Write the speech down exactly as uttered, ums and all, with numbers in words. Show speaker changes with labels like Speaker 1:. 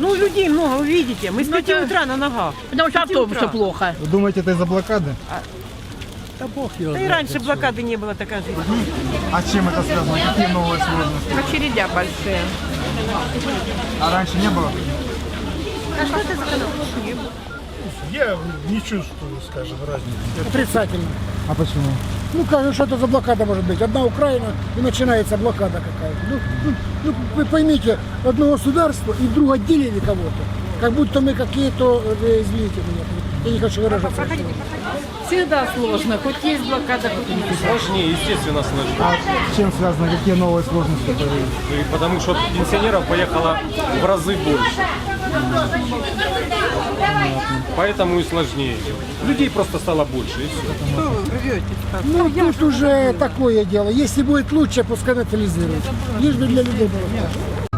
Speaker 1: Ну, людей много, вы видите. Мы с
Speaker 2: Ну,
Speaker 1: пяти
Speaker 2: это-
Speaker 1: утра на ногах.
Speaker 2: Потому что
Speaker 1: С пяти
Speaker 2: автобусы
Speaker 1: утра.
Speaker 2: плохо.
Speaker 3: Вы думаете, это из-за блокады?
Speaker 4: Да бог его
Speaker 1: Да и
Speaker 4: знает,
Speaker 1: раньше
Speaker 4: отсюда.
Speaker 1: блокады не было, такая жизнь.
Speaker 3: А с чем это связано? Какие новые сложности?
Speaker 2: Очередя большие.
Speaker 3: А раньше не было?
Speaker 4: Я не чувствую, скажем, разницы.
Speaker 5: Отрицательно.
Speaker 3: А почему?
Speaker 5: Ну, как, что это за блокада может быть? Одна Украина и начинается блокада какая-то. Ну, ну, ну, вы поймите, одно государство и вдруг отделили кого-то. Как будто мы какие-то, э, извините меня, я не хочу выражаться.
Speaker 2: Всегда сложно. Хоть есть блокада, хоть нет.
Speaker 6: Сложнее, естественно, сложнее.
Speaker 3: А с чем связано? Какие новые сложности появились?
Speaker 6: И потому что пенсионеров поехало в разы больше. Поэтому и сложнее. Людей просто стало больше, и все.
Speaker 5: Ну, тут уже такое дело. Если будет лучше, пускай национализируют. Лишь бы для людей было.